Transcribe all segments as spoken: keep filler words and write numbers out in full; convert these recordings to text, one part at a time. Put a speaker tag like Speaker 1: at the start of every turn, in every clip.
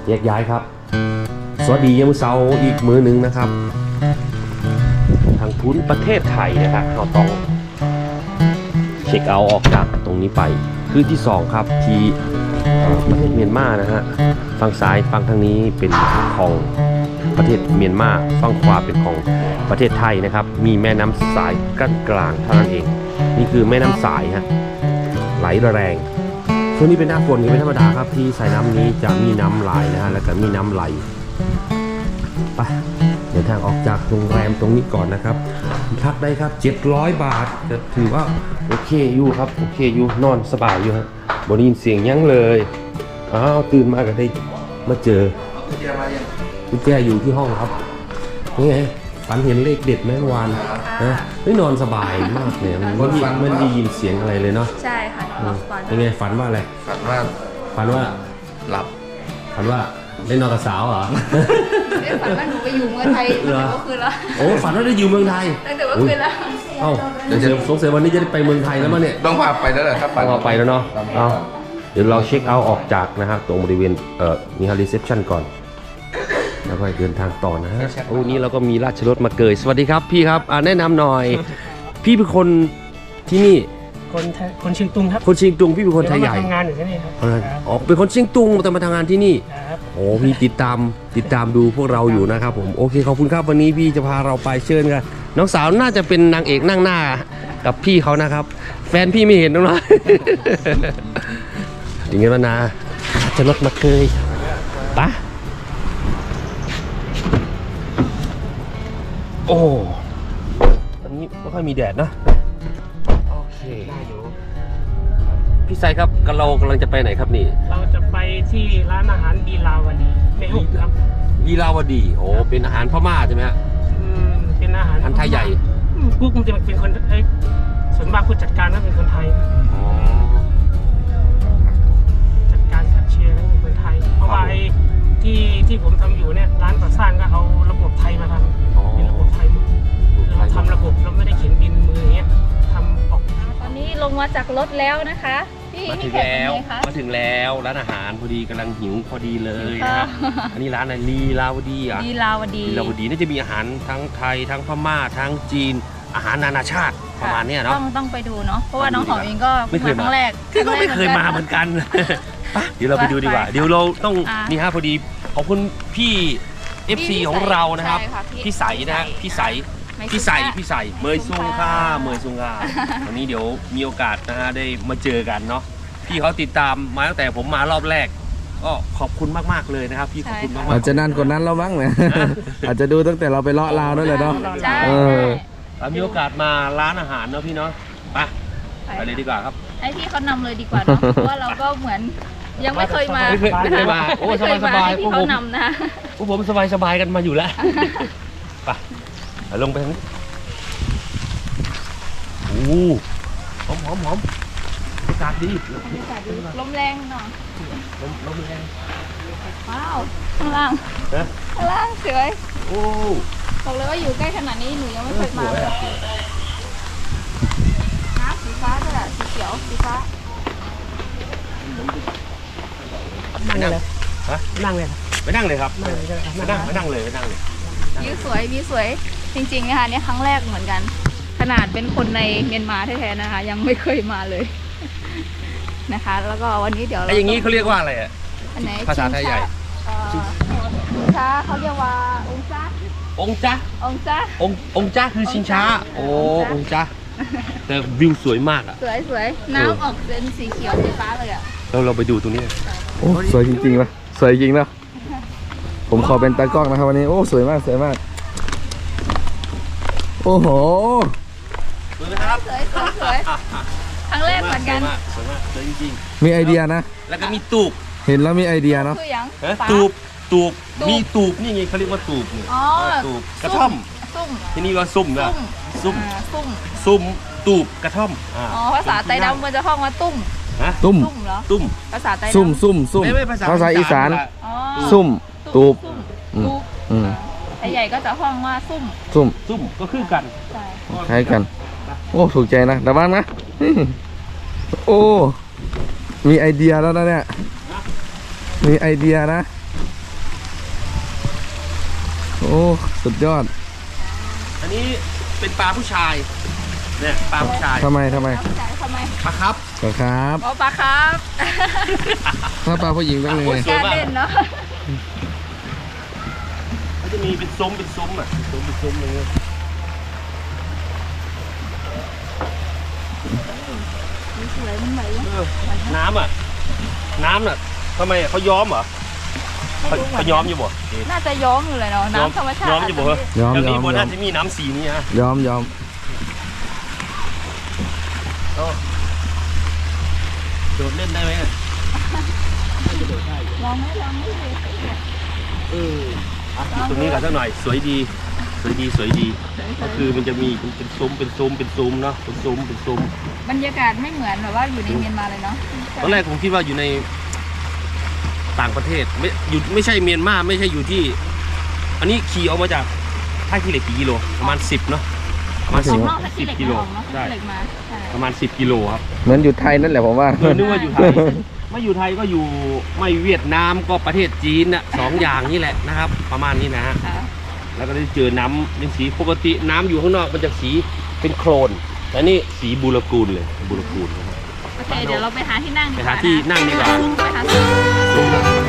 Speaker 1: แยกย้ายครับสวัสดียามเช้าอีกมื้อหนึ่งนะครับทางทุนประเทศไทยนะครับเราต้องเช็คเอาท์ออกจากตรงนี้ไปคือที่สองครับที่ประเทศเมียนมานะฮะฝั่งซ้ายฝั่งทางนี้เป็นของประเทศเมียนมาฝั่งขวาเป็นของประเทศไทยนะครับมีแม่น้ำสายกั้นกลางเท่านั้นเองนี่คือแม่น้ำสายฮะไหลแรงช่วงนี้เป็นหน้าฝนนี่เป็นธรรมดาครับที่สายน้ำนี้จะมีน้ำไหลนะฮะแล้วก็มีน้ำไหลไปเดินทางออกจากโรงแรมตรงนี้ก่อนนะครับพักได้ครับเจ็ดร้อยบาทจะถือว่าโอเคอยู่ครับโอเคอยู่นอนสบายอยู่ฮะบนยินเสียงยั้งเลยอ้าวตื่นมาก็ได้มาเจอกุญแจอยู่ที่ห้องครับนี่ไงฝันเห็นเลขเด็ดไหมเมื่อวานนะไม่นอนสบายมากเลยมันไม่ไม่ได้ยินเสียงอะไรเลยเนาะ
Speaker 2: ใช่ค่ะฝัน
Speaker 1: ยังไงฝันว่าอะไร
Speaker 3: ฝันว่า
Speaker 1: ฝันว่า
Speaker 3: หลับ
Speaker 1: ฝันว่าได้นอนกับสาวเหรอ
Speaker 2: ได้ฝันว่าหนูไปอยู่เมืองไทยตั้งแต่เมื่อคืนแล้ว
Speaker 1: โอ้ฝันว่าได้อยู่เมืองไทย
Speaker 2: ตั้งแต่เมื่อคืนแล้ว
Speaker 1: เอ้าเดี๋ยวสงสัยวันนี้จะได้ไปเมืองไทยแล้วมั้งเนี่ย
Speaker 3: ต้องพาไปแล้วแหละครับ
Speaker 1: ต้องพาไปแล้วเนาะเอาเดี๋ยวเราเช็คเอาท์ออกจากนะครับตรงบริเวณเอ่อมีฮาร์รีเซปชั่นก่อนแล้วก็เดินทางต่อนะฮะโอ้นี่เราก็มีราชรถมาเกยสวัสดีครับพี่ครับอ่าแนะนำหน่อย พี่เป็นคนที่นี่
Speaker 4: คนคนเชียงตุงครับ
Speaker 1: คนเชียงตุงพี่เป็นคนไทยใหญ่
Speaker 4: ทำงานอยู่ที่นี่ครับ
Speaker 1: อ๋อเป็นคนเชียงตุงแต่มาทำงานที่นี่
Speaker 4: ครับ
Speaker 1: โอ้พี่ติดตามติดตามดูพวกเราอยู่นะครับผมโอเคขอบคุณครับวันนี้พี่จะพาเราไปเชิญกันน้องสาวน่าจะเป็นนางเอกนั่งหน้ากับพี่เขานะครับแฟนพี่ไม่เห็นน้องน้อยอย่างเงี้ยนะจะรถมาเกยปะโอ้อันนี้ไม่ค่อยมีแดดนะโอเคพี่ไซครับกันเรากำลังจะไปไหนครับนี่
Speaker 4: เราจะไปที่ร้านอาหารบีลาวดีในหุบครับ
Speaker 1: บีลาวดีโอ้เป็นอาหารพม่าใช่ไหมฮะ
Speaker 4: อืมเป็นอาหาร
Speaker 1: อาหารไทยใหญ่
Speaker 4: กุ๊กมันจะเป็นคนไอ้ส่วนมากผู้จัดการก็เป็นคนไทยจัดการแคชเชียร์ก็เป็นคนไทยเพราะว่าไอ้ที่ที่ผมทำอยู่เนี่ยร้านก่อสร้างก็เอาระบบไทยมาทำเป็นระบบไทยเราทำระบบเราไม่ได้เขียนบินมืออย่างเงี้ยทำออก
Speaker 2: ตอนนี้ลงมาจากรถแล้วนะคะพี่
Speaker 1: มาถึงแล้วมาถึงแล้วร้านอาหารพอดีกำลังหิวพอดีเลยนะอันนี้ร้านอะไรลีลาวดีอ่ะ
Speaker 2: ลีลาวดี
Speaker 1: ลีลาวดีน่าจะมีอาหารทั้งไทยทั้งพม่าทั้งจีนอาหารนานาชาติประมาณนี้เนาะ
Speaker 2: ต้องต้องไปดูเนาะเพราะว่าน้องหอมเองก็ไม่เคยมาครั้งแรก
Speaker 1: ก็ไม่เคยมาเหมือนกันเดี๋ยวเราไปดูดีกว่าเดี๋ยวเราต้องนี่ฮะพอดีขอบคุณพี่ เอฟ ซี ของเรานะครับพี่ใสนะฮะพี่ใสพี่ใสพี่ใสเมยซุงค่ะเมยซุงค่ะวันนี้เดี๋ยวมีโอกาสนะฮะได้มาเจอกันเนาะพี่เขาติดตามมาตั้งแต่ผมมารอบแรกก็ขอบคุณมากๆเลยนะครับพี่ขอบคุณมากๆ
Speaker 3: อาจจะนานกว่านั้นเราบ้างนะอาจจะดูตั้งแต่เราไปเลาะลาวนั่นแหละเนาะ
Speaker 2: เออ
Speaker 1: มีโอกาสมาร้านอาหารเนาะพี่เนาะไปไปเลยดีกว่าครับ
Speaker 2: ให้พี่เขานำเลยดีกว่าเนาะเพราะว่าเราก็เหมือนยังไม่เคยมา
Speaker 1: ไม่เคยไม่เคยมาโอ้สบายสบาย
Speaker 2: พี่เขานำนะ
Speaker 1: พวกผมสบายสบายกันมาอยู่แล้วไปลงไปทางนี้โอ้หอมหอมหอมอากาศดี
Speaker 2: ลมแรงหน่อย
Speaker 1: ลมลมแรง
Speaker 2: ว้าวข้างล่างข้างล่างสวยโอ้บอกเลยว่าอยู่ใกล้ขนาดนี้หนูยังไม่เคยมาเลยน้ำสีฟ้าด้วยสีเขียวสีฟ้า
Speaker 1: นั่งเลยฮะ
Speaker 4: นั่งเลย
Speaker 1: ไปนั่งเลยครับไปนั่งไปนั่งเลยไปนั่งเลย
Speaker 2: วิวสวยวิวสวยจริงๆนะคะนี่ครั้งแรกเหมือนกันขนาดเป็นคนในเมียนมาแท้ๆนะคะยังไม่เคยมาเลยนะคะแล้วก็วันนี้เดี๋ยว
Speaker 1: ไอ้อย่างนี้เขาเรียกว่าอะไรอ่ะภาษาไทยใหญ่
Speaker 2: ชิงช้าเขาเรียกว่าองจ้า
Speaker 1: องจ้า
Speaker 2: องจ้า
Speaker 1: ององจ้าคือชิงช้าโอ้องจ้าแต่วิวสวยมากอ่ะ
Speaker 2: สวยสวยน้ำออกเป็นสีเขียวสีฟ้าเลยอ่ะ
Speaker 1: เราเราไปดูตรงนี้
Speaker 3: โอ้สวยจริงๆนะสวยจริงนะผมขอเป็นตากล้องนะครับวันนี้โอ้สวยมากสวยมากโอ้โห
Speaker 1: สวยนะครับ
Speaker 2: สวยสวยสวยครั้งแรกเหมือนกัน
Speaker 1: สวยมากสวยจริง
Speaker 3: ๆมีไอเดียนะ
Speaker 1: แล้วก็มีตูบ
Speaker 3: เห็นแล้วมีไอเดียเนาะ
Speaker 1: ตูบตูบมีตูบนี่ไงเขาเรียกว่าตูบนี่ตูบกระท่อมที่นี่ว่าซุ่มนะซุ่ม
Speaker 2: ซุ่ม
Speaker 1: ซุ่มตูบกระท่อม
Speaker 2: อ๋อภาษาไต้ดำมันจะห้องว่าตุ้ม
Speaker 3: ตุ้ม
Speaker 2: เหรอ
Speaker 1: ตุ้ม
Speaker 2: ภาษาไต้ดำ
Speaker 3: ซุ่มซุ่มซุ่มภาษาอีสานซุ่มตูบ
Speaker 2: ไอ้ใหญ่ก็จะห้องว่าซุ่ม
Speaker 3: ซุ่ม
Speaker 1: ซุ่มก็คือกัน
Speaker 3: คล้ายกันโอ้ถูกใจนะแต่บ้างนะโอ้มีไอเดียแล้วนะเนี่ยมีไอเดียนะโอ้สุดยอด
Speaker 1: อันนี้เป็นปลาผู้ชายเนี่ยปลาผู้ชาย
Speaker 3: ทำไมทำไม
Speaker 2: จ่ายทำไม
Speaker 1: ปลาครับ
Speaker 3: ปลาครับ
Speaker 2: อ๋อปลาครับ
Speaker 3: ถ้าปลาผู้หญิงต้องยังไง
Speaker 1: สวย
Speaker 2: การ
Speaker 1: มาก
Speaker 2: เล่นเนาะ
Speaker 1: มันจะมีเป็นซุ้มเป็นซุ้มอ่ะซุ้มเป็นซุ้มอะไรเงี้ย
Speaker 2: สวยมันไหว
Speaker 1: เออน้ำอ่ะน้ำน่ะทำไมอ่ะเขาย้อมเหรอเขาเขาย้อมอยู่บ่
Speaker 2: น่าจะย้อมอยู่เลยเนาะน้ำธรรมชาติ
Speaker 1: ย้อมอยู่บ่เหรอ
Speaker 3: ย้อม
Speaker 1: แล้ว
Speaker 3: ย้อ
Speaker 1: นี่
Speaker 3: ม
Speaker 1: บน
Speaker 3: ย้อ
Speaker 1: น่าม จะมีน้ำสีนี้ฮะ
Speaker 3: ยอมยอม
Speaker 1: โดดเล่นได้ไหมอ่ะ
Speaker 2: ลองไหมลองไหมเลย
Speaker 1: เอออ่ะตรงนี้กันสักหน่อยสวยดีสวยดีสวยดีก็คือมันจะมีเป็นซุ้มเป็นซุ้มเป็นซุ้มเนาะเป็นซุ้มเป็นซุ้ม
Speaker 2: บรรยากาศไม่เหมือนแบบว่าอยู่ในเมียนมาเลยเนาะ
Speaker 1: ตอนแรกผมคิดว่าอยู่ในต่างประเทศไม่อยู่ไม่ใช่เมียนมาไม่ใช่อยู่ที่ อันนี้ขี่ออกมาจากท่าขี้เหล็กกี่กิโลประมาณสิบเนาะประมาณ
Speaker 2: อ
Speaker 1: สิ
Speaker 2: อบ กนอกถ้า
Speaker 1: สิ
Speaker 2: ที่
Speaker 1: บ
Speaker 2: เหล็ก
Speaker 1: กิโล
Speaker 2: ออกเนาะถ้า
Speaker 1: ใช่
Speaker 2: ที่เหล็กมาใช่
Speaker 1: ประมาณสิบกิโลครับ
Speaker 3: เหมือนอยู่ไทยนั่นแหละผมว่า
Speaker 1: เออนึกว่าอยู่ไทยไม่อยู่ไทยก็อยู่ไม่เวียดนามก็ประเทศจีนน่ะสองอย่างนี่แหละนะครับ ประมาณนี้นะฮะ
Speaker 2: ค่ะ
Speaker 1: แล้วก็ได้เจอน้ำเป็นสีปกติน้ำอยู่ข้างนอกมันจะสีเป็นโคลนแต่นี่สีบูรกูลเลยบูรกูลนะครับ
Speaker 2: โอเคเดี๋ยวเราไปหาที่นั่งดีก
Speaker 1: ไป
Speaker 2: ว่า
Speaker 1: หาที่นั่งดีกว่า
Speaker 2: ไปหาที่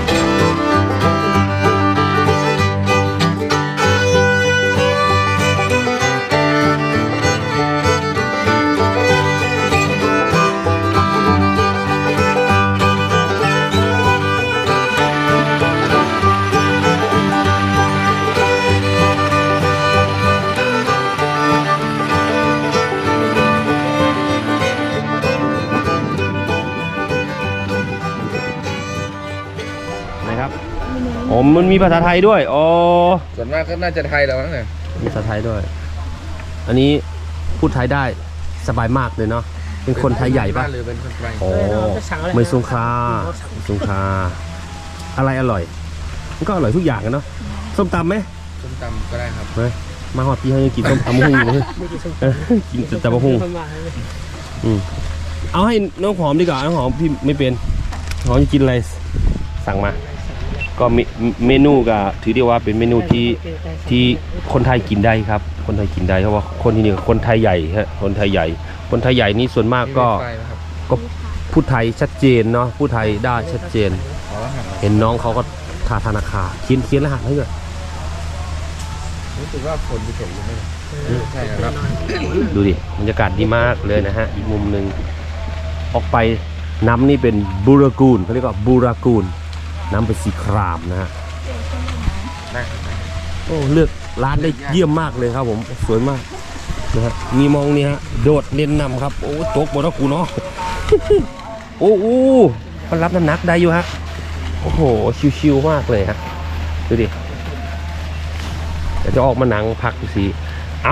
Speaker 1: นะครับอ๋อมันมีภาษาไทยด้วยอ๋อ
Speaker 3: ส่วนมากก็น่าจะไทยแล้วมั้งเนี่ย
Speaker 1: มีภาษาไทยด้วย อันนี้พูดไทยได้สบายมากเลยเนาะเป็นคนไทยใหญ่ปะ
Speaker 3: หรือเป็นคนไทย
Speaker 1: อ๋อไม่สงคราไม่สงคราอะไรอร่อยมันก็อร่อยทุกอย่างกันเนาะส้มตำไหม
Speaker 3: ส้มตำก็ได้ครับ
Speaker 1: เฮ้ยมาหอดพี่ให้กินส้มตำหุ่งอยู่เลยเออกินแต่ตำหุ่งอืมเอาให้น้องหอมดีกว่าน้องหอมพี่ไม่เป็นหอมจะกินอะไรสั่งมา ก็เมเมนูก็ถือได้ว่าเป็นเมนูที่ที่คนไทยกินได้ครับ คนไทยกินได้เพราะว่าคนที่นี่คนไทยใหญ่ฮะคนไทยใหญ่ คนไทยใหญ่นี่ส่วนมากก็
Speaker 3: ไฟนะครับ
Speaker 1: ก็พูดไทยชัดเจนเนาะพูดไทยได้ชัดเจน
Speaker 3: ขอรหัส
Speaker 1: เห็นน้องเขาก็ทาธนาคารเขียนเขียนรหัสให้ด้วย
Speaker 3: รู้สึกว่าฝนจะตกอยู่ไหมใช่ครับ
Speaker 1: ดูดิบรรยากาศดีมากเลยนะฮะอีกมุมหนึ่งออกไปน้ำนี่เป็นบูรากูลเขาเรียกว่าบูรากูลน้ำเป็นสีครามนะฮะ
Speaker 3: ได้ครับ
Speaker 1: โอ้เลือกร้านได้เยี่ยมมากเลยครับผมสวยมากนะฮะมีมองนี่ฮะโดดเล่นนำครับโอ้ตกหมดแล้วกูเนาะ โอ้โหมันรับน้ำหนักได้อยู่ฮะโอ้โหชิวๆมากเลยฮะดูดิเดี๋ยวจะออกมาหนังพักดูสิเอา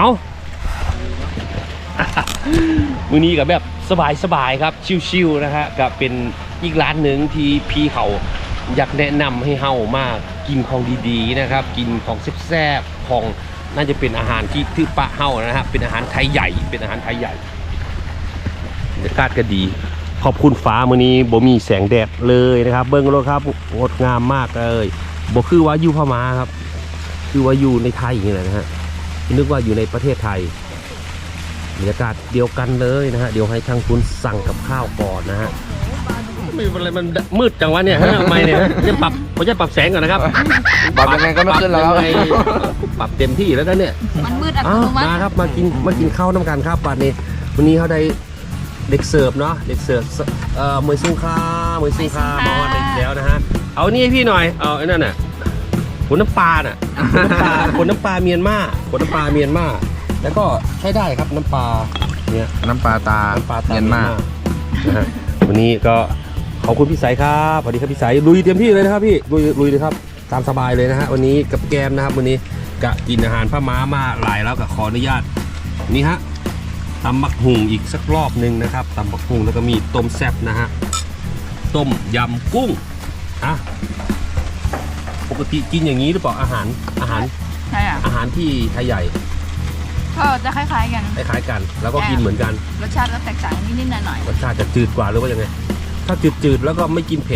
Speaker 1: มื้อนี้กับแบบสบายๆครับชิวๆนะฮะกับเป็นอีกร้านหนึ่งที่พี่เขาอยากแนะนำให้เฮามากินของดีๆนะครับ กินของแซ่บๆของน่าจะเป็นอาหารที่ที่ปะเฮานะฮะเป็นอาหารไทยใหญ่เป็นอาหารไทยใหญ่บรรยากาศก็ดีขอบคุณฟ้ามื้อนี้บ่มีแสงแดดเลยนะครับเบิ่งรถครับงดงามมากเลยบ่คือว่าอยู่พม่าครับคือว่าอยู่ในไทยอย่างนี้แหละนะฮะนึกว่าอยู่ในประเทศไทยบรรยากาศเดียวกันเลยนะฮะเดี๋ยวให้ช่างคุณสั่งกับข้าวก่อนนะฮะไม่เป็นไรมันมืดจังวะเนี่ยฮะทำไมเนี่ยฮะจะปรับผมจะปรับแสงก่อนนะครับ
Speaker 3: ปรับยังไงก็ไม่ขึ้นแล้ว
Speaker 1: ปรับยังไงปรับเต็มที่แล้วกันเนี่ย
Speaker 2: มันมืดอัต
Speaker 1: อ้า
Speaker 2: โน
Speaker 1: ว
Speaker 2: มัติ
Speaker 1: มาครับมากินมากินข้าวน้ำกันครับวันนี้วันนี้เขาได้เด็กเสิร์ฟเนาะเด็กเสิร์ฟเอ่อมวยซุงคาเมวยซุงคามาวันอีกแล้วนะฮะเอานี่ให้พี่หน่อยเอาไอ้นั่นน่ะขนน้ำปลาน่ะขนน้ำปลาขนน้ำปลาเมียนมาขนน้ำปลาเมียนมาแล้วก็ใช้ได้ครับน้ำปลาเนี่ย
Speaker 3: น้ำปลาตา
Speaker 1: น้ำปลาตา
Speaker 3: เมียนมา
Speaker 1: นะฮะวันนี้ก็ขอบคุณพี่สายครับสวัสดีครับพี่สายลุยเต็มที่เลยนะครับพี่ลุยลุยเลยครับตามสบายเลยนะฮะวันนี้กับแกมนะครับวันนี้กะกินอาหารพม่ามาหลายแล้วก็ขออนุญาตนี่ฮะตำบักหุ่งอีกสักรอบหนึ่งนะครับตำบักหุ่งแล้วก็มีต้มแซ่บนะฮะต้มยำกุ้งอ่ะปกติกินอย่างนี้หรือเปล่าอาหารอาหาร
Speaker 2: ใช่อ่ะ
Speaker 1: อาหารที่ไทยใหญ่
Speaker 2: ก็จะคล้ายๆกัน
Speaker 1: คล้ายๆกัน แล้วก็กินเหมือนกัน
Speaker 2: รสชาติก็แตกต่างนิดๆหน่อย
Speaker 1: รสชาติจะจืดกว่าหรือว่ายังไงถ้าจืดๆแล้วก็ไม่กินเผ็ด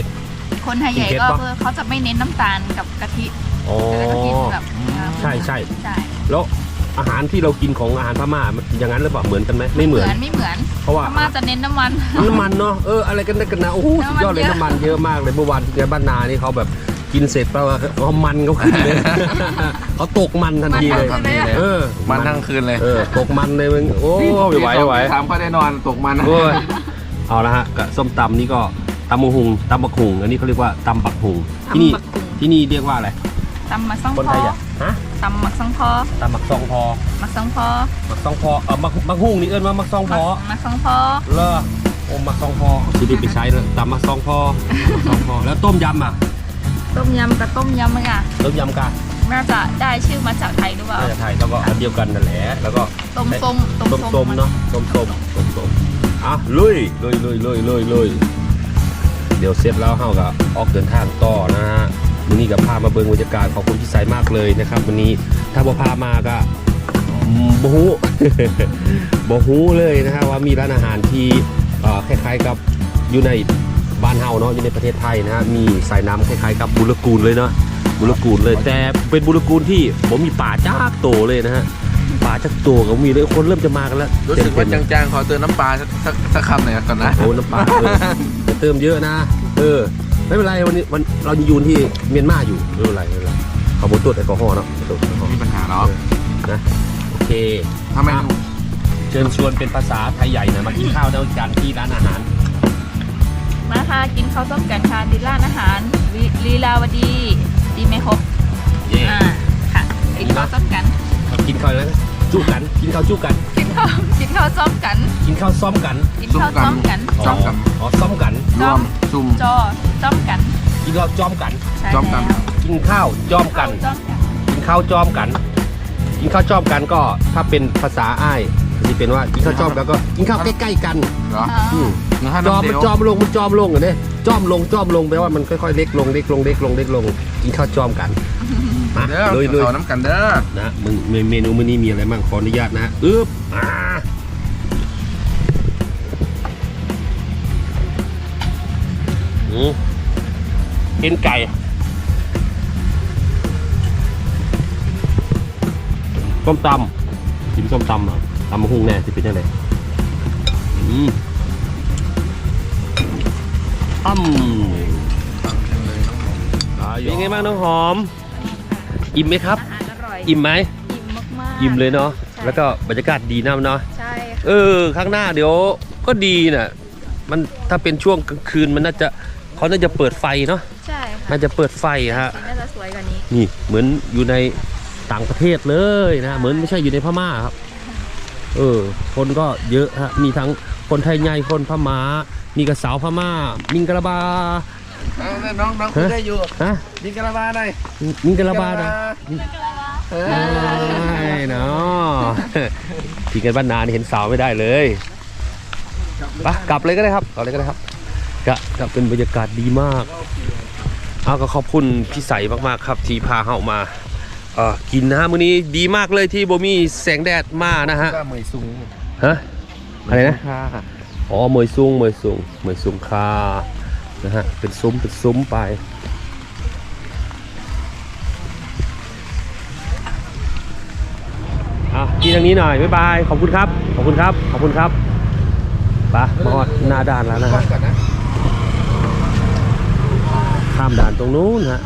Speaker 2: คนไทยใหญ่
Speaker 1: กินเผ็ด
Speaker 2: ก็
Speaker 1: ปะ
Speaker 2: คือเขาจะไม่เน้นน้ำตาลกับกะทิ
Speaker 1: อ๋อ
Speaker 2: แต่ก็กินแบบ
Speaker 1: ใช่ใช่
Speaker 2: ใช่
Speaker 1: แล้วอาหารที่เรากินของอาหารพม่าอย่างนั้นหรือเปล่าเหมือนกันไหมไม่เหมือน
Speaker 2: ไม่เหมือน
Speaker 1: เพราะว่า
Speaker 2: พม่าจะเน้นน้ำมัน
Speaker 1: น้ำมันเนาะเอออะไรกันนะกันนะโอ้โหสุดยอดเลย
Speaker 2: น้ำมันเยอะ
Speaker 1: น้ำมันเยอะมากเลยเมื่อวานที่บ้านนานี่เขาแบบกินเสร็จแปลว่าเขามันเขาขึ้นเลย เขาตกมันทันทีเลย
Speaker 3: ทันทีเลย
Speaker 1: เออ
Speaker 3: มันทั้งคืนเลย
Speaker 1: เออตกมันเลยมึงโอ้ไม่ไหวไม่ไหว
Speaker 3: ถามก็ได้นอนตกมันนะ
Speaker 1: โอ้ยเอาละฮะกับส้มตำนี่ก็ตำบักหุงตำบักหุงอันนี้เขาเรียกว่าตำบักหุงที่นี่
Speaker 2: ตำบักหุ่ง
Speaker 1: ที่นี่เรียกว่าอะไร
Speaker 2: ตำมักซัง
Speaker 1: คน
Speaker 2: พ
Speaker 1: ไท
Speaker 2: อย
Speaker 1: อ่ะฮะ
Speaker 2: ตำมักซังพอ
Speaker 1: ตำบักซองพอ
Speaker 2: มักซังพอ
Speaker 1: มักซองพอเออมักมักหุงนี่เอิ้นว่ามักซองพอ
Speaker 2: มักซังพอ
Speaker 1: เลอโอ้มักซองพอที่นี่ไปใช้เลยตำมักซองพอซองพอแล้วต้มยำอ่ะ
Speaker 2: ต้มยำกับต้มยำมั้งอ่ะ
Speaker 1: ต้มยำกะ
Speaker 2: น่าจะได้ชื่อมาจากไทยหรือเปล่า
Speaker 1: น่าจะไทยแล้วก็อันเดียวกันนั่นแหละแล้วก็
Speaker 2: ต้มส้ม
Speaker 1: ต้มส้มเนาะต้มส้มต้มส้มอ่ะลุยลุยลุยลุยลุยลุยเดี๋ยวเสร็จแล้วเฮาก็ออกเดินทางต่อนะฮะวันนี้กับพามาเบิ่งบรรยากาศของคนที่ใส่มากเลยนะครับวันนี้ถ้าบ่พามาก็อืมบ่ฮู้ บ่ฮู้เลยนะฮะว่ามีร้านอาหารที่เอ่อคล้ายๆกับอยู่ในบ้านเฮาเนาะอยู่ในประเทศไทยนะฮะมีสายน้ำคล้ายๆกับบุรกูลเลยเนาะบุรกูลเลยแต่เป็นบุรกูลที่ผมมีป่าจ้ากโตเลยนะฮะป่าจักโตก็มีเลยคนเริ่มจะมากันแล้ว
Speaker 3: รู้สึกว่าจางๆขอเติมน้ำปลาสักสักสักคำหน่อยก่อนนะ
Speaker 1: โอ้น้ำปลาเออจะเติมเยอะนะเออไม่เป็นไรวันนี้วันเรายังอยู่ที่เมียนมาอยู่ไม่เป็นไรไม่เป็นไรเขาบอกตรวจแอลกอฮอล์เนาะตรวจแอลกอฮอล์
Speaker 3: มีปัญหาเนาะ
Speaker 1: นะโอเค
Speaker 3: ทำไม
Speaker 1: อ่ะเชิญชวนเป็นภาษาไทยใหญ่หนะมากินข้าวด้วยกันที่ร้านอาหาร
Speaker 2: มาค่ะกินข้าวต้มกันค่ะที่ร้านอาหารวิลีลาวดีดีไหมครบ
Speaker 1: เย่
Speaker 2: อ่าค่ะกินข้าวต้มกัน
Speaker 1: กินข้าวแล้วจุกันกินข้าวจุกัน
Speaker 2: กินข้าวกินข้าวซ้อมกัน
Speaker 1: กินข้าวซ้อมกัน
Speaker 2: กินข้าวซ้อมกัน
Speaker 3: ซ้อมกัน
Speaker 1: อ๋อซ้อมกัน
Speaker 3: รวมซุ่ม
Speaker 2: จอซ้อมกัน
Speaker 1: กินข้าวจอมกัน
Speaker 2: ใช่
Speaker 3: ซ้อมกัน
Speaker 2: แล้ว
Speaker 1: กินข้าวจอมกัน
Speaker 2: ซ้อมกัน
Speaker 1: กินข้าวจอมกัน กินข้าวจอมกันก็ถ้าเป็นภาษาอ้ายจะเป็นว่ากินข้าวจอมกันก็กินข้าวใกล้ๆกัน
Speaker 3: เหรอ
Speaker 2: อ่า
Speaker 1: อืม
Speaker 3: เนื้อห้า
Speaker 1: จอม
Speaker 3: น้ำ
Speaker 1: มัน
Speaker 3: เดียว
Speaker 1: จอมลงมันจอมลงเหรอเนี่ยจอมลงจอมลงแปลว่ามันค่อยๆเล็กลงเล็กลงเล็กลงเล็กลงกินข้าวจอมกันมา
Speaker 3: เด้อ
Speaker 1: เลยเลย
Speaker 3: ต่อน้ำกันเด้อ
Speaker 1: นะมึงเมนูมื้อนี้มีอะไรบ้างขออนุญาตนะอึ๊บอ่าอืมเอ็นไก่ส้มตำกินส้มตำเหรอตำมะฮุ่งแน่ที่เป็นยังไงอืมอ้ำเป็นไงบ้างน้องหอม อิ่มไหมครับ
Speaker 2: อาหารอร่อย
Speaker 1: อิ่มไหม
Speaker 2: อิ่มมากๆ
Speaker 1: อิ่มเลยเนาะ
Speaker 2: ใช่
Speaker 1: แล้วก็บรรยากาศดีน้ำเนาะ
Speaker 2: ใช่
Speaker 1: เออ ข้างหน้าเดี๋ยวก็ดีน่ะ มันถ้าเป็นช่วงกลางคืนมันน่าจะเขาน่าจะเปิดไฟเนาะ
Speaker 2: ใช่ค่ะ
Speaker 1: น่าจะเปิดไฟฮะ
Speaker 2: สีน่าจะสวยกว่านี้
Speaker 1: นี่เหมือนอยู่ในต่างประเทศเลยนะ เหมือนไม่ใช่อยู่ในพม่าครับ เออ คนก็เยอะฮะ มีทั้งคนไทยใหญ่คนพม่า มีกระสาวพม่า มิงกะลาบา
Speaker 3: เอาเลยน้องน้องคุยได้อยู่
Speaker 1: ฮะ
Speaker 3: ยิงกระบาหน่อย
Speaker 1: มิงกะลาบานะ
Speaker 3: เอ
Speaker 1: ใช่
Speaker 3: อ
Speaker 1: เนาะ พี่กันบ้านนานี่เห็นสาวไม่ได้เลยไปกลับเลยก็ได้ครับกลับเลยก็ได้ครับก็ก็เป็นบรรยากาศดีมากเอาก็ขอบคุณพี่ใสมากๆครับที่พาเฮามาเอ่อกินนะฮะมื้อนี้ดีมากเลยที่บ่มีแสงแดดมานะฮะ
Speaker 3: ก็เหมยซุง
Speaker 1: ฮะอะไรนะ
Speaker 3: ค่ะ
Speaker 1: อ๋อเมยซุงเมยซุงเมยซุงคานะฮะเป็นซุ้มเป็นซุ้มไปอ่ะกินทางนี้หน่อยบ๊ายบายขอบคุณครับขอบคุณครับขอบคุณครับไปมาฮอดหน้าด่านแล้วนะฮะ
Speaker 3: ก่อนนะ
Speaker 1: ข้ามด่านตรงนู้นฮะ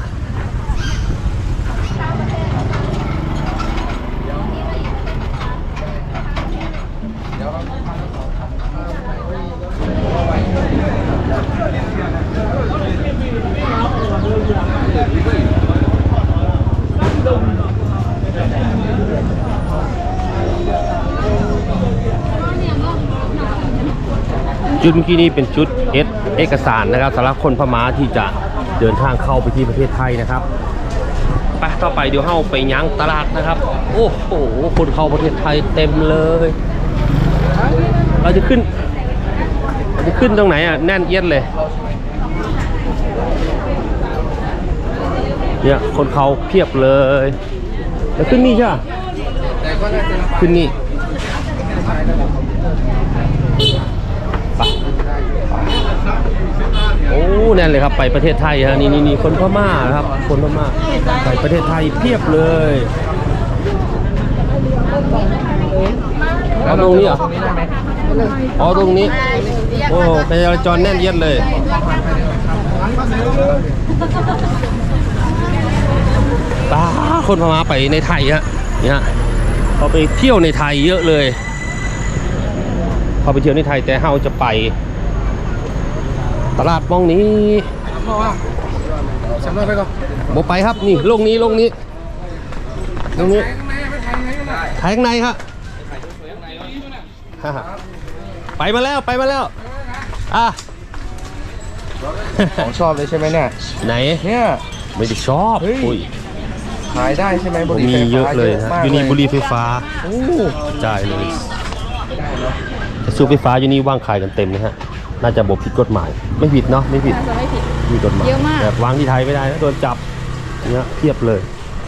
Speaker 1: จุดเมื่อกี้นี้เป็นจุดเอสเอกสารนะครับสำหรับคนพม่าที่จะเดินทางเข้าไปที่ประเทศไทยนะครับไปต่อไปเดี๋ยวเข้าไปยั้งตลาดนะครับ โอ้โหคนเข้าประเทศไทยเต็มเลย เราจะขึ้นเราจะขึ้นตรงไหนอ่ะแน่นเอียดเลยเนี่ยคนเขาเพียบเลยแล้วขึ้นนี่ใช่ไหม
Speaker 3: แต่ก็น่าจะ
Speaker 1: ขึ้นนี่ไปโอ้แน่นเลยครับไปประเทศไทยฮะนี่นี่นี่คนพม่าครับคนพม่าไปประเทศไทยเพียบเลยเอาตรงนี้เหรออ๋อตรงนี้โอ้การจราจรแน่นเอียดเลยป้าคนพม่าไปในไทยฮะเนี่ยเขาไปเที่ยวในไทยเยอะเลยเขาไปเที่ยวในไทยแต่เฮาจะไปตลาดมองนี้
Speaker 3: สำรวจไปก่อน
Speaker 1: โมไปครับนี่ลงนี้ลงนี้ลงนี้ถ่ายข้างในครับฮ่าไปมาแล้วไปมาแล้วอ่ะ
Speaker 3: ของชอบเลยใช่ไหมเนี่ย
Speaker 1: ไหน
Speaker 3: เนี่ย
Speaker 1: ไม่ได้ชอบ
Speaker 3: เฮ้ย
Speaker 1: อุ้ย
Speaker 3: ขายได้ใช่ไหมบุหรี่
Speaker 1: มี
Speaker 3: ไฟฟ้า
Speaker 1: เยอะเลยนะ
Speaker 3: มาก
Speaker 1: อยู่นี่บุหรี่ไฟฟ้า
Speaker 3: โอ้
Speaker 1: จ่ายเลยแต่สูบไฟฟ้าอยู่นี่ว่างขายกันเต็มนะฮะน่าจะบอกผิดกฎหมายไม่ผิดเนาะไม่ผิด
Speaker 2: น่าจะไม่ผิด
Speaker 1: มีกฎหมาย
Speaker 2: เยอะมาก
Speaker 1: แบบวางที่ไทยไม่ได้นะโดนจับเนี่ยเทียบเลย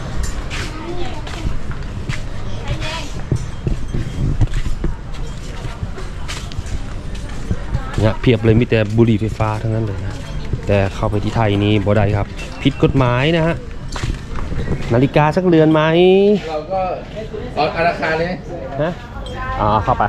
Speaker 1: เนี่ยเพียบเลยมีแต่บุหรี่ไฟฟ้าทั้งนั้นเลยนะแต่เข้าไปที่ไทยนี้บ่ได้ครับผิดกฎหมายนะฮะนาฬิกาสักเรือนไหม
Speaker 3: เราก็เอาราคาเลย
Speaker 1: ฮะอ่าเข้าไป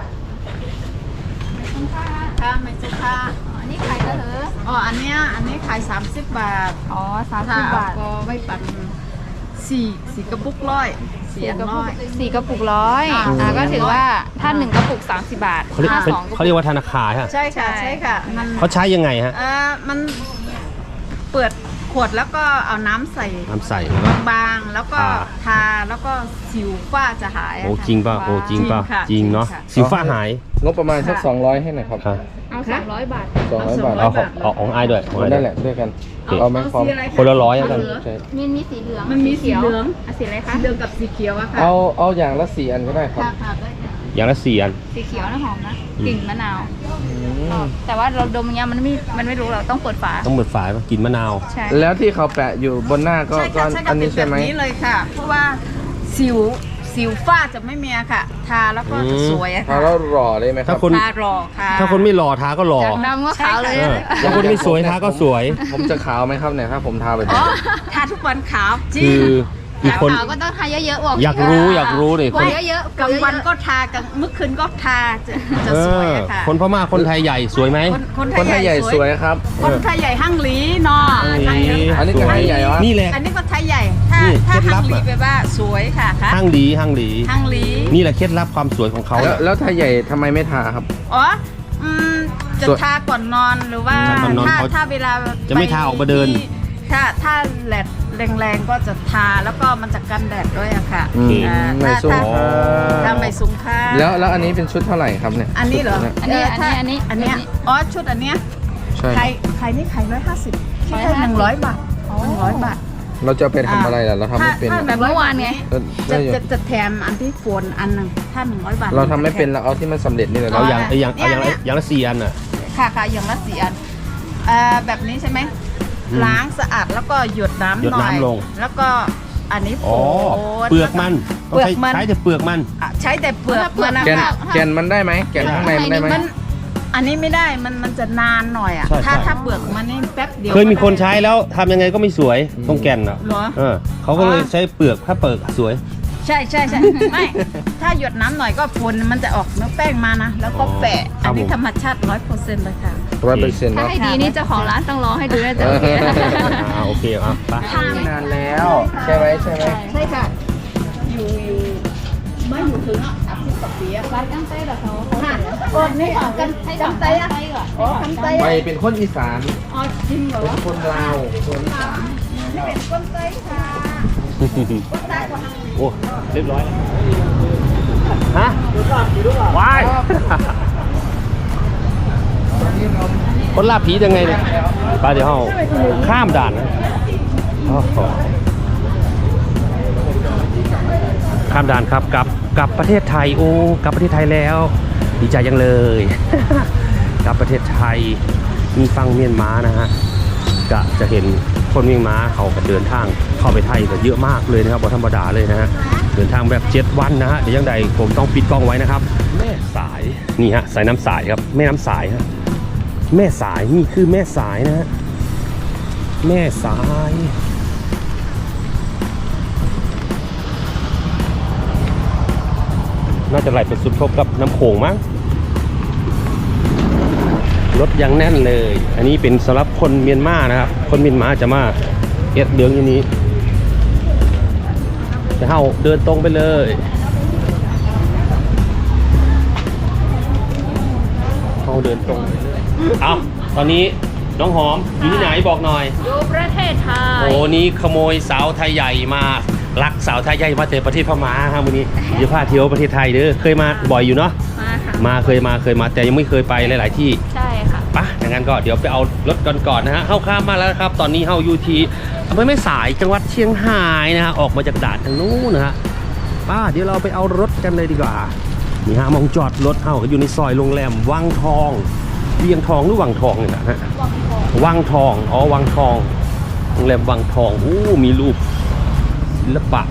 Speaker 5: ค่ะไม่ใช่ค่ะ
Speaker 2: อันนี้ขายก็เหรอ
Speaker 5: อ๋อ อันเนี้ย อันนี้ขายสามสิบบาท
Speaker 2: อ๋อสาม
Speaker 5: ถ้า
Speaker 2: สิบบาท
Speaker 5: ก็ไม่ปั่นสี่สี่กระปุกร้อยสี่อันร้อย
Speaker 2: สี่กระปุกร้อย
Speaker 5: อ่า
Speaker 2: อ่าก็ถือว่าถ้าหนึ่งกระปุกสามสิบบาท
Speaker 1: เขาเรียก
Speaker 2: ถ้า
Speaker 1: เป็น
Speaker 2: สองกระ
Speaker 1: เขา
Speaker 2: ปุ
Speaker 1: เรีย
Speaker 2: ก
Speaker 1: กว่าธนาคารฮะ
Speaker 5: ใช่ค่ะ ใช่ค่ะ มัน
Speaker 1: เขาใช้ยังไงฮะ
Speaker 5: เอ่อมันเปิดขวดแล้วก็เอาน้ำใส่
Speaker 1: น้ำใส่แล้วก็
Speaker 5: บางๆแล้วก็
Speaker 1: อ่า
Speaker 5: ทาแล้วก็สิวฝ้าจะหายอะ
Speaker 1: โอ้
Speaker 5: ค่ะ
Speaker 1: จริงป่ะโอ้จริงป่ะ
Speaker 5: จริงค่ะ
Speaker 1: จริงเนาะ
Speaker 5: จริงค่ะ
Speaker 1: สิวฟ้าหาย
Speaker 3: งบประมาณสักสองร้อยให้หน่อยครับ
Speaker 1: ครับ
Speaker 2: เอาสามร้อยบาท
Speaker 3: สองร้อยบาท
Speaker 1: เอาของเอาของไอ้ายด้วยของอ้ายด้
Speaker 3: นั่
Speaker 1: วน ย
Speaker 3: แหละด้วยกัน
Speaker 1: โอเค
Speaker 3: เอาไหมพร้อม
Speaker 5: สีอะไร
Speaker 1: คนละร้อยแล้วกัน
Speaker 3: ใช่
Speaker 2: มีมีสีเหลือง
Speaker 5: มันมีสีเหลือง
Speaker 2: อ่ะสีอะไรคะ
Speaker 5: สีเหลืองกับสีเขียวอะค่ะ
Speaker 3: เอาเอาอย่างละสี่อันก็ได้ครับ
Speaker 5: ค่ะค่ะได้ค่ะ
Speaker 1: อย่างละสี่อัน
Speaker 2: สีเขียวนะหอมนะ
Speaker 1: อืม
Speaker 2: กลิ่นมะนาว
Speaker 3: อืม
Speaker 2: แต่ว่าเราดมอย่างเงี้ยมันไม่มันไม่รู้เราต้องเปิดฝา
Speaker 1: ต้องเปิดฝาป่ะกินมะนาว
Speaker 2: ใช่
Speaker 3: แล้วที่เขาแปะอยู่บนหน้าก็
Speaker 5: ใช่
Speaker 3: ก็
Speaker 5: ค่ะใช่
Speaker 3: อั
Speaker 5: ค่ะ
Speaker 3: น
Speaker 5: เป็
Speaker 3: นี้
Speaker 5: นแบ
Speaker 3: ใช่
Speaker 5: บ
Speaker 3: ไหม
Speaker 5: นี้เลยค่ะ เพราะว่าสิวสิวฝ้าจะไม่มีอะค่ะ ทาแล้วก็จะสวยอะ
Speaker 3: ทา
Speaker 5: ค่ะ
Speaker 3: แล้วหล่อเลยไหมครั
Speaker 1: ถ้า
Speaker 3: บ
Speaker 1: คน
Speaker 5: ทารอค่ะ
Speaker 1: ถ้าคนไม่หล่อทาก็หล่อ
Speaker 2: จากดำก็ขาวเลย
Speaker 1: เออ
Speaker 2: นะ
Speaker 1: ถ้าคนไม่สวยทาก็สวย
Speaker 3: ผมจะขาวไหมครับเนี่ยถ้าผมทาไป
Speaker 5: อ๋อทาทุกวันขาวจริ
Speaker 1: คื
Speaker 5: ง
Speaker 1: อคือคน
Speaker 2: ขาวก็ต้องทาเยอะๆบอก
Speaker 1: อยากรู้อยากรู้เลยคน
Speaker 2: เยอะๆ
Speaker 5: กลางวันก็ทากลางเมื่อคืนก็ทาจะจะ
Speaker 1: เอ
Speaker 5: สวย
Speaker 1: อ
Speaker 5: อะค่ะ
Speaker 1: คนพม่าคนไทยใหญ่สวยไหม
Speaker 5: คนคน
Speaker 3: คนไทยใหญ่สวยครับ
Speaker 5: คนไทยใหญ่ห้างหลีเนาะ
Speaker 3: อันนี้ก็ไทยใหญ่วะ
Speaker 1: นี่แหละ
Speaker 5: อันนี้ก็ไทยใหญ่ ถ้า
Speaker 1: นี่
Speaker 5: ถ้า
Speaker 1: เคล็ดลั
Speaker 5: ห้า
Speaker 1: บ
Speaker 5: งหลี
Speaker 1: อะ
Speaker 5: แปลว่าสวยค่ะค่ะ
Speaker 1: ห้างดีห้างดี
Speaker 5: ห้างหลี
Speaker 1: นี่แหละเคล็ดลับความสวยของเขา
Speaker 3: แล้วแล้วไทยใหญ่ทำไมไม่ทาครับ
Speaker 5: อ๋ออืมจะ
Speaker 3: ส่วน
Speaker 5: ทาก่อนนอนหรือว่า
Speaker 1: ทาก่อนนอน
Speaker 5: ถ้า
Speaker 1: เขา
Speaker 5: ถ้าเวลา
Speaker 1: จะไม่ทาออกมาเดิน
Speaker 5: ที่ถ้าถ้าแดดแรงๆก็จะทาแล้วก็มันจะกันแดดด้วยอะค่ะ
Speaker 3: อืม
Speaker 5: อ่า
Speaker 3: ไม่
Speaker 5: ถ้า
Speaker 3: สูง
Speaker 5: ถ้า
Speaker 3: ค่า
Speaker 5: ถ้าไม่สูงค่า
Speaker 3: แล้วแล้วอันนี้เป็นชุดเท่าไหร่ครับเนี่ย
Speaker 5: อันนี้เหรอ
Speaker 2: อันนี้
Speaker 5: ถ้า
Speaker 2: อันนี้
Speaker 5: อั
Speaker 2: อั
Speaker 5: น
Speaker 2: นนี้
Speaker 5: เนี้ยอ๋อชุดอันเนี้ย
Speaker 3: ใช่
Speaker 5: ใครใครนี่ขายร้อยห้าสิบคิดแค่หนึ่งร้อยบาทหนึ่งร้อยบาท
Speaker 3: เราจะเอาไปทำอะไรล่ะเราทำไม่เป็น
Speaker 5: ถ้า
Speaker 3: อะ
Speaker 5: แบบเมื่อวานไง
Speaker 3: ก็ได้
Speaker 5: จะ
Speaker 3: อยู่
Speaker 5: จะจะแถมอันที่โฟนอันหนึ่งถ้าหนึ่งร้อยบาท
Speaker 3: เราทำไม่เป็นเราเอาที่มันสำเร็จนี่เลย
Speaker 1: เอา
Speaker 3: เรา
Speaker 1: อย่างเอาอย่างเอาอย่างละอย่างละสี่อันอ่ะ
Speaker 5: ค่ะค่ะอย่างละสี่อันเอ่อแบบนี้ใช่ไหม
Speaker 1: อืม
Speaker 5: ล้างสะอาดแล้วก็หยดน้ำ
Speaker 1: หยด
Speaker 5: หน่อย
Speaker 1: น้ำลง
Speaker 5: แล้วก็อันนี้โฟ
Speaker 1: อ๋อน เปลือกมันต้อง
Speaker 5: เปลือก
Speaker 1: ใช้
Speaker 5: มัน
Speaker 1: ใช้แต่เปลือกมัน
Speaker 5: อ่ะใช้แต่เปลือกมันนะ
Speaker 3: แกน
Speaker 5: คะ
Speaker 3: แกนมันได้ไหมแกนข้างในมันได้ไหม
Speaker 5: มันอันนี้ไม่ได้มันมันจะนานหน่อยอ่ะ
Speaker 1: ใช่
Speaker 5: ถ้า
Speaker 1: ใช่
Speaker 5: ถ้าเปลือกมันนี่แป๊บเดียว
Speaker 1: เคยมีคนใช้แล้วทำยังไงก็ไม่สวยต้องแก่นอ่ะ
Speaker 5: เหรอ
Speaker 1: เออเขาก็เลยใช้เปลือกถ้าเปลือกสวย
Speaker 5: ใช่ใช่ใช่ไม่ ถ้าหยดน้ำหน่อยก็ฝุ่นมันจะออกเนื้อแป้งมานะ แล้วก็แปะ
Speaker 1: ครับ
Speaker 5: อันนี้
Speaker 1: ผม
Speaker 5: ธรรมชาติร้อยเปอร์เซ็นต์เลยค่ะ
Speaker 3: ร้อยเปอร์เซ็นต์
Speaker 2: ถ้า
Speaker 3: เนาะ
Speaker 2: ให้ดีนี่เจ้าของร้านต้องรอให้ดูนะจ๊ะโอเค
Speaker 1: อ่าโอเคอ่ะไป
Speaker 3: นานแล้วใช่ไหมใช่ไหม
Speaker 5: ใช่ค่ะ อยู่อยู่ไม่อยู่ถึงอ่ะสามสิบกว่าปีอะ
Speaker 2: ร้านกั้งเต้แบบเขา
Speaker 5: ค่ะโอ้นี่ของกันกันไตอะอ๋อกันไต
Speaker 3: ไม่
Speaker 5: อะ
Speaker 3: เป็นคนอีสาน
Speaker 5: อ๋อจริงเหรอ
Speaker 3: เป็นคนลาวคนอีสาน
Speaker 5: นี่เป็นก้นไตค่ะก้นไตกว่า
Speaker 1: โอ้เรียบร้อยแล้วฮะวายคนลาบผียังไงเนี่ยไปเดี๋ยวเราข้ามด่านนะโอ้โหข้ามด่านครับกลับกลับประเทศไทยโอ้กลับประเทศไทยแล้ว ดีใจยังเลย กลับประเทศไทยมีฟังเมียนมานะฮะจะจะเห็นคนเมียนมาเขาก็เดินทางเข้าไปไทยแต่เยอะมากเลยนะครับบ่ธรรมดาเลยนะฮะเดินทางแบบเจ็ดวันนะฮะเดี๋ยวยังใดผมต้องปิดกล้องไว้นะครับ แม่สายนี่ฮะสายน้ำสายครับแม่น้ำสายฮะแม่สายนี่คือแม่สายนะฮะแม่สาย น่าจะไหลไปสุดทบกับน้ำโขงมั้งรถยังแน่นเลย อันนี้เป็นสำหรับคนเมียนมานะครับ คนเมียนมาจะมาเอ็ดเดืองอย่างนี้จะเข้าเดินตรงไปเลยเข้าเดินตรงไปเลยเอาตอนนี้น้องหอมอยู่ที่ไหนบอกหน่อย
Speaker 2: อยู่ประเทศไทย
Speaker 1: โอ้นี่ขโมยสาวไทยใหญ่มาลักสาวไทยใหญ่มาจากประเทศพม่าครับวันนี้เดี๋ยวพาเที่ยวประเทศไทยเด้อเคยมาบ่อยอยู่เนาะ
Speaker 2: มาค่ะ
Speaker 1: มาเคยมาเคยมาแต่ยังไม่เคยไปหลาย ๆ ที่
Speaker 2: ใช่ค่ะ
Speaker 1: ปะอย่างนั้นก็เดี๋ยวไปเอารถกันก่อนนะฮะเข้าข้ามมาแล้วครับตอนนี้เข้าอยู่ที่อำเภอแม่สายจังหวัดเชียงรายนะฮะออกมาจากด่านทางนู้นนะฮะป้าเดี๋ยวเราไปเอารถกันเลยดีกว่านี่ฮะมองจอดรถเข้าอยู่ในซอยโรงแรมวังทองเวียงทองหรือวังทองเนี่ยนะฮะ
Speaker 2: วังทอง
Speaker 1: วังทองอ๋อวังทองโรงแรมวังทองอู้มีรูปศิลปะ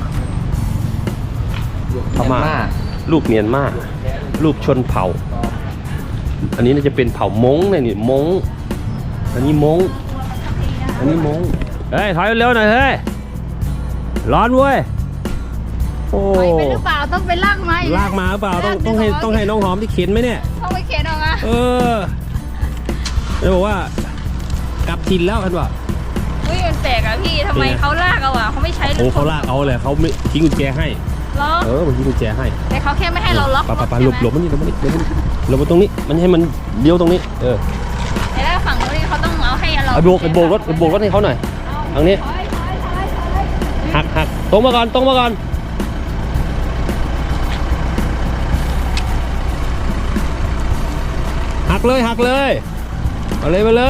Speaker 1: พม่ารูปเมียนมารูปชนเผ่า อันนี้น่าจะเป็นเผ่ามงเนี่ยนี่มงอันนี้มงอันนี้มงเฮ้ยถอยเร็วหน่อยเฮ้ยร้อนเว้ยโอ้
Speaker 2: ไปไปหรือเปล่าต้องไปลากมาอี
Speaker 1: ลากมาหรือเปล่าต้องต้องให้ต้องให้น้องหอมที่เข็นไหมเนี่ย
Speaker 2: ต้องไปเข็นออกมา
Speaker 1: เออจะบอกว่ากลับถิ่นแล้วกันวะ
Speaker 2: อุ้ยมันแปลกอะพี่ทำไมเขาลากเอาอะเขาไม่ใช้
Speaker 1: โอ้เขาลากเอาเลยเขาไม่ทิ้งกุญแจให้
Speaker 2: ล็อก
Speaker 1: เออมันทิ้งกุญแจให้
Speaker 2: แต่เขาแค่ไม่ให้เราล็อก
Speaker 1: ปะปะปะห
Speaker 2: ใช่
Speaker 1: ลบ
Speaker 2: ไม
Speaker 1: หลบมันนี่หลบมันนี่หลบมันนี่หลบมาตรงนี้มันให้มันเลี้ยวตรงนี้เออ
Speaker 2: แต่ถ้าฝั่งนู้นเขาต้องเอาให้เรา
Speaker 1: ไอ้โบกไอ้โบกรถไอ้โบกรถให้เขาหน่อยทางนี้
Speaker 2: ถอยถอยถอยถอย
Speaker 1: หักหักตรงมาก่อนตรงมาก่อนหักเลยหักเลยเอาเลยมาเลย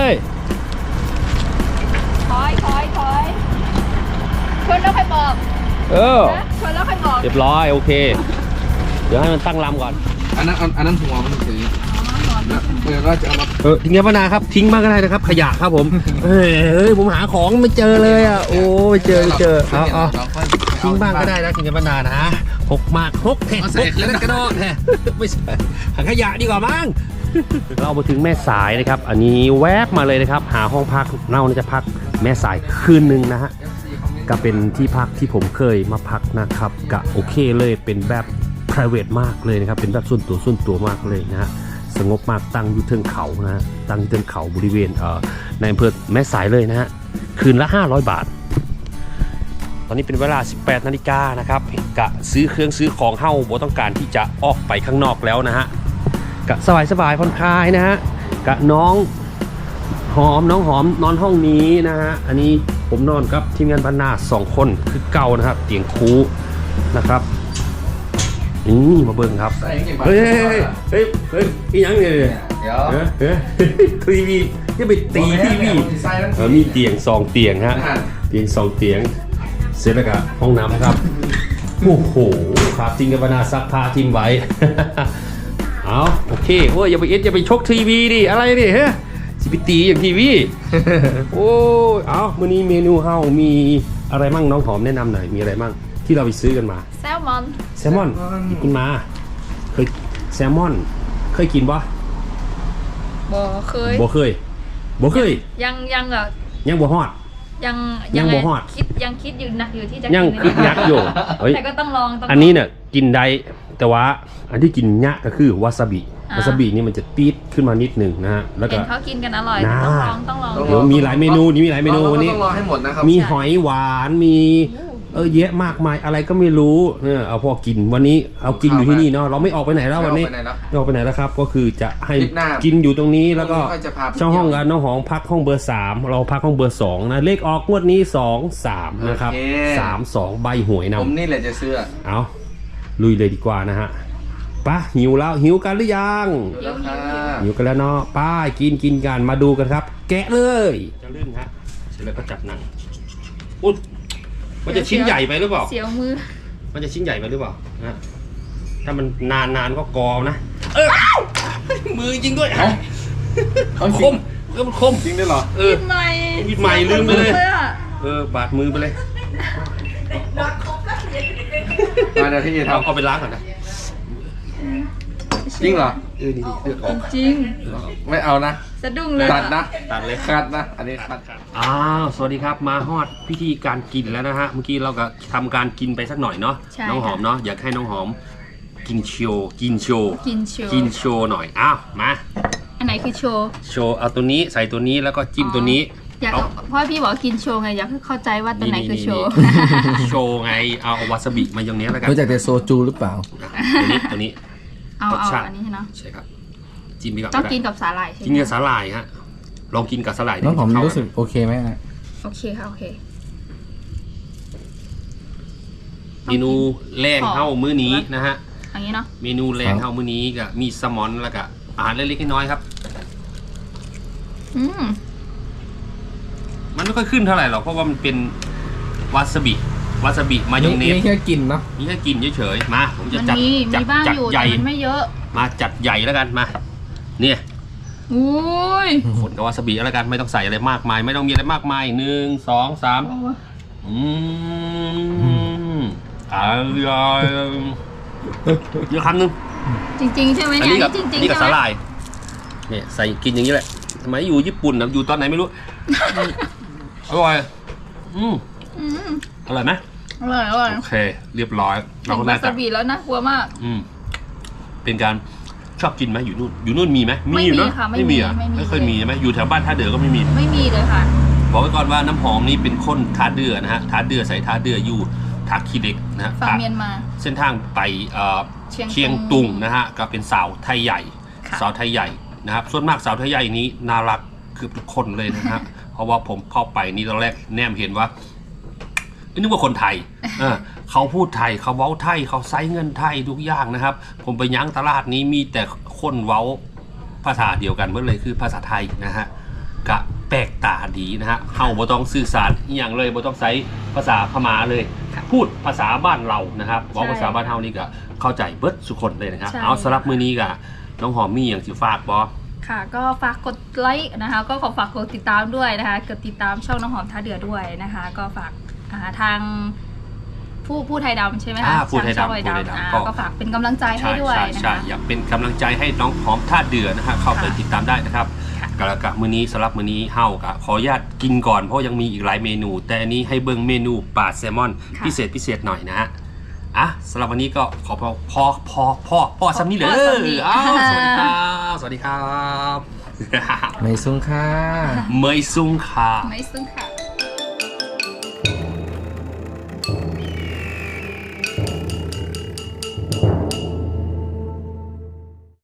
Speaker 2: ถอยถอยถอยชนแล้วค่อยบอก
Speaker 1: เออ
Speaker 2: นะชนแล้วค่อยบอก
Speaker 1: เรียบร้อยโอเค เดี๋ยวให้มันตั้งลำก่อน
Speaker 3: อันนั้นอันนั้นหัวมันถือเดี๋ยวก็จะเอามา
Speaker 1: เออทิ้งแค่ปนาครับทิ้งบ้างก็ได้นะครับ ขยะครับผมเฮ้ยเฮ้ยผมหาของไม่เจอเลยอ่ะโอ้ไม่เจอไม่เจอเอาเอาทิ้งบ้างก็ได้นะทิ้งแค่ปนานะหกมากหกเผ็ดหกแล้วกระโดดแฮะไม่ใช่หาขยะดีกว่ามั้ง เรามาถึงแม่สายนะครับ อันนี้แวบมาเลยนะครับ หาห้องพักเราจะพักแม่สายคืนหนึ่งนะฮะก็เป็นที่พักที่ผมเคยมาพักนะครับก็โอเคเลยเป็นแบบ private มากเลยนะครับเป็นแบบส่วนตัวส่วนตัวมากเลยนะฮะสงบมากตั้งอยู่เทิงเขานะฮะตั้งอยู่เทิงเขาบริเวณเอ่อในอำเภอแม่สายเลยนะฮะคืนละห้าร้อยบาท ตอนนี้เป็นเวลาสิบแปดนาฬิกานะครับกะซื้อเครื่องซื้อของเฮ้าบ่ต้องการที่จะออกไปข้างนอกแล้วนะฮะกะสบายสบายผ่อนคลายนะฮะกะน้องหอมน้องหอมนอนห้องนี้นะฮะอันนี้ผมนอนกับทีมงานบรรณาสองคนคือเก่านะครับเตียงคูนะครับนี่มาเบิ่งครับเฮ้ยเฮ้ยเฮ้ยเฮ้ยอีหยังเนี่ย
Speaker 3: เดี๋ยว
Speaker 1: เฮ้ยเฮ้ยทีวีจะไปตีทีวีเออมีเตียงสองเตียงฮะเตียงสองเตียงเสร็จแล้วก็ห้องน้ำครับโอ้โหครับจริงกับบรรณาซักผ้าทิ้งไว้ เอาโอเคโอ้ยอย่าไปเอ็ดอย่าไปชกทีวีดิอะไรดิเฮ้ยสิไปตีอย่างทีวี โอ้ยเอามื้อนี้เมนูเฮามีอะไรมั่งน้องหอมแนะนำหน่อยมีอะไรมั่งที่เราไปซื้อกันมา
Speaker 2: แซลมอน
Speaker 1: แซลมอนที่กินมาเคยแซลมอนเคยกินปะ
Speaker 2: บ่เคย
Speaker 1: บ่เคยบ่เคย
Speaker 2: ยังยังอะ
Speaker 1: ยังบ่ฮอด
Speaker 2: ยัง
Speaker 1: ยังบ่ฮอด
Speaker 2: คิดยังคิดอยู่หนักอยู่ที่จะ
Speaker 1: ยัง
Speaker 2: กิน
Speaker 1: คิดยักษ์อยู่เฮ้ย
Speaker 2: แต่ก็ต้องลองต้องลง
Speaker 1: อันนี้เนี่ยกินได้แต่ว่าอันที่กินยะก็คือวาซาบิ
Speaker 2: อ่า
Speaker 1: วาซาบินี่มันจะตีดขึ้นมานิดหนึ่งนะฮะแล้ว
Speaker 2: เห็
Speaker 1: ก็
Speaker 2: นเขากินกันอร่อย
Speaker 1: น่า
Speaker 2: ต้องลองต้องลอง
Speaker 1: เดี๋ยวมีหลายเมนูนี่มีหลายเมนูวันนี้
Speaker 3: ต้องรอให้หมดนะครับ
Speaker 1: มีหอยหวานมีเออเยอะมากมายอะไรก็ไม่รู้เนี่ยเอาพอกินวันนี้เอากินอยู่ที่นี่เนาะเราไม่ออกไปไหนแล้ววันนี้
Speaker 3: ไม่ออกไปไหนแล้ว
Speaker 1: ไม่ออกไปไหนแล้วครับ ก็คือจะให้
Speaker 3: ทริปหน้า
Speaker 1: กินอยู่ตรงนี้แล้วก็
Speaker 3: ค่อยจะพาไป
Speaker 1: เช่าห้องกันน้องหองพักห้องเบอร์สามเราพักห้องเบอร์สองนะเลขออกงวดนี้สองสามนะครับ
Speaker 3: โอเค
Speaker 1: สามสองใบหวยนำ
Speaker 3: ผมนี่แหละจะซื้อ
Speaker 1: เอาลุยเลยดีกว่านะฮะไป้าหิวแล้วหิวกันหรือยัง
Speaker 3: ดูแล้วค่ะ
Speaker 1: หิวกันแล้วเนาะไป้ากินกินกันมาดูกันครับ แกะเลยจะลื่นฮะเสร็จแล้วก็จับหนังอุ๊ยมันจะชิ้นใหญ่ไปหรือเปล่า
Speaker 2: เสียวมือ
Speaker 1: มันจะชิ้นใหญ่ไปหรือเปล่านะถ้ามันนานนานๆก็กอนะเออมือจริงด้วย
Speaker 3: เอาเอาจ
Speaker 1: ค
Speaker 3: ริง
Speaker 1: มเออมันคม
Speaker 3: จริงด้วยเหรอ
Speaker 1: เออ
Speaker 2: กินใหม่
Speaker 1: มีดใหม่ลืมไปเลย
Speaker 2: อะ
Speaker 1: เออบาดมือไปเลย
Speaker 3: มาเดี๋ยวพี่จะ
Speaker 1: เอา
Speaker 3: ทำ
Speaker 1: เอาไปล้างก่อนนะ
Speaker 3: จริงเหรอ
Speaker 1: เออนี่ๆเลือดออก
Speaker 2: จริง
Speaker 3: ไม่เอานะ
Speaker 2: แซสะดุ้งเลย
Speaker 3: ตัดนะ
Speaker 1: ตัดเลย
Speaker 3: คัดนะ อันนี้คัด
Speaker 1: อ้าว สวัสดีครับ มาฮอดพิธีการกินแล้วนะฮะ เมื่อกี้เราก็ทำการกินไปสักหน่อยเนาะ
Speaker 2: ใช่
Speaker 1: น้องหอมเนาะ อยากให้น้องหอมกินโชว์กินโชว์
Speaker 2: กินโชว์
Speaker 1: กินโชว์หน่อย อ้าว มา
Speaker 2: อันไหนคือโชว์
Speaker 1: โชว์ เอาตัวนี้ใส่ตัวนี้แล้วก็จิ้มตัวนี้
Speaker 2: อยาก
Speaker 1: เอา
Speaker 2: เพราะพี่บอกว่ากินโชว์ไงอยากให้เข้าใจว่าตัวไหนคือโชว์
Speaker 1: โชว์ไง เอาวาซาบิมาอย่างนี้แล้วกัน
Speaker 3: รู้จักแต่โซจูหรือเปล่า
Speaker 1: ตัวนี้ตัวนี้
Speaker 2: เอา
Speaker 1: รส
Speaker 2: เอา
Speaker 1: ชาติ
Speaker 2: อันนี้เนาะ
Speaker 1: ใช่ครับ จิ้มไปก่อน
Speaker 2: ต้อง
Speaker 1: ได้
Speaker 2: กินกับสาหร่ายใช่ไหม
Speaker 1: กินกับสาหร่ายฮะ ลองกินกับสาหร่าย
Speaker 3: น้องหอม
Speaker 1: เข้า
Speaker 3: รู้สึกโอเคไหมนะ
Speaker 2: โอเคค่ะโอเค
Speaker 1: เมนูแรงเท่ามื้อนี้นะฮะ
Speaker 2: อย่างนี้เนาะ
Speaker 1: เมนูแรงเท่ามื้อนี้ก็มีแซลมอนแล้วก็อาหารเล็กๆน้อยๆครับ
Speaker 2: อืม
Speaker 1: มันไม่ค่อยขึ้นเท่าไหร่หรอกเพราะว่ามันเป็นวาซาบิวาซาบิมายองเนส
Speaker 3: นี่แค่กินเนาะ
Speaker 1: นี่แค่กินเฉยๆมาผมจะ
Speaker 2: มัน
Speaker 1: จัด
Speaker 2: มี
Speaker 1: จัด
Speaker 2: มีบ้าง
Speaker 1: จัด
Speaker 2: อยู่
Speaker 1: ให
Speaker 2: แต่
Speaker 1: ญ่
Speaker 2: มันไม่เยอะ
Speaker 1: มาจัดใหญ่แล้วกันมา เนี่ย
Speaker 2: อุ้ย
Speaker 1: ฝนกับวาซาบิแล้วกันไม่ต้องใส่อะไรมากมาย ไม่ต้องมีอะไรมากมายหนึ่งสองสามอืมอร่อยเยอะคำหนึ่ง
Speaker 2: จริงๆใช่ไหม
Speaker 1: อัน
Speaker 2: เนี่ย
Speaker 1: นี้กับ
Speaker 2: จริง
Speaker 1: อัน
Speaker 2: ๆ
Speaker 1: นี้กับ
Speaker 2: ใช่
Speaker 1: สา
Speaker 2: ไห
Speaker 1: ห
Speaker 2: ม
Speaker 1: ร่ายเนี่ยใส่กินอย่างนี้แหละสมัยอยู่ญี่ปุ่นนะอยู่ตอนไหนไม่รู้ อร่อย อืม
Speaker 2: อืม
Speaker 1: อร่อยไหม
Speaker 2: อร่อยอร่อย
Speaker 1: โอเค เรียบร้อย
Speaker 2: เห็น
Speaker 1: ก็
Speaker 2: วา
Speaker 1: น่า
Speaker 2: ซา
Speaker 1: จะ
Speaker 2: บิแล้วน่ากลัวมาก
Speaker 1: อืมเป็นการชอบกินไหมอยู่นู่นอยู่นู่นมีไหม
Speaker 2: ไม่
Speaker 1: อยู่
Speaker 2: มี
Speaker 1: เนอะ
Speaker 2: ค่ะไม่
Speaker 1: ไม่
Speaker 2: มี
Speaker 1: มีอ่ะ
Speaker 2: ไม่มี
Speaker 1: ไม่เคยมีใช่ไหมอยู่แถวบ้านท่าเดือก็ไม่มี
Speaker 2: ไม่มีเลยค่ะ
Speaker 1: บอกไว้ก่อนว่าน้ำหอมนี่เป็นคนท่าเดือนะฮะท่าเดือใส่ท่าเดืออยู่ทักคีเด็กนะฮะ
Speaker 2: ฝั่งเมียนมา
Speaker 1: เส้นทางไปเอ่อ
Speaker 2: เชียง
Speaker 1: เชียงตุงนะฮะก็เป็นสาวไทยใหญ่
Speaker 2: ค่ะ
Speaker 1: สาวไทยใหญ่นะครับส่วนมากสาวไทยใหญ่นี้น่ารักคือทุกคนเลยนะฮะ เพราะว่าผมเข้าไปนี่ตอนแรกแนมเห็นว่านึกว่าคนไทยเออเขาพูดไทยเขาเว้าไทยเขาไซเงินไทยทุกอย่างนะครับ ผมไปยั้งตลาดนี้มีแต่คนเว้าภาษาเดียวกันหมดเลยคือภาษาไทยนะฮะกะแปลกตาดีนะฮะเฮาบ่ต้องสื่อสารอหย่างเลยบ่ต้องใช้ภาษาพม่าเลย พูดภาษาบ้านเรานะครับเว้าภาษาบ้านเฮานี่ก็เข้าใจเบิดสุคนเลยนะครับ
Speaker 2: ใช่
Speaker 1: เอาสำหรับมื้อนี้ก็น้องหอมมีอย่างสิฝากบ่
Speaker 2: ค่ะ ก็ฝากกดไลค์นะคะ ก็ขอฝากกดติดตามด้วยนะคะกดติดตามช่องน้องหอมท่าเดือด้วยนะคะ ก็ฝากอ่าทางผู้ผู้ไทยดำใช่ไหมคะ
Speaker 1: อ่าผู้ไทยดำ
Speaker 2: ช่องไทย
Speaker 1: ผู้ไทย
Speaker 2: ดำ
Speaker 1: ดำ
Speaker 2: อ่า
Speaker 1: ก็
Speaker 2: ก็ฝากเป็นกำลังใจให้
Speaker 1: ใช่
Speaker 2: ด้วย
Speaker 1: ใช่
Speaker 2: นะ
Speaker 1: ใช่
Speaker 2: คะ
Speaker 1: อยากเป็นกำลังใจให้น้องหอมท่าเดือนะฮะเข้าไป
Speaker 2: ค่ะ
Speaker 1: ติดตามได้นะครับ
Speaker 2: ค่ะ
Speaker 1: กระกะมื้อนี้สำหรับมื้อนี้เฮากะขออนุญาตกินก่อนเพราะยังมีอีกหลายเมนู แต่อันนี้ให้เบิ่งเมนูปลาแซลมอน
Speaker 2: ค่ะ
Speaker 1: พิเศษพิเศษหน่อยนะฮะอ่ะสำหรับวันนี้ก็ขอพอพอพอพอพอซ้ำนี้เลย
Speaker 2: พอซ้ำนี้
Speaker 1: อ้าวสวัสดีครับสวัสดีครับ
Speaker 3: ไม่ซุ้งค่า
Speaker 1: เมยซุงค่ะ
Speaker 2: ไม่ซึ่งค่ะ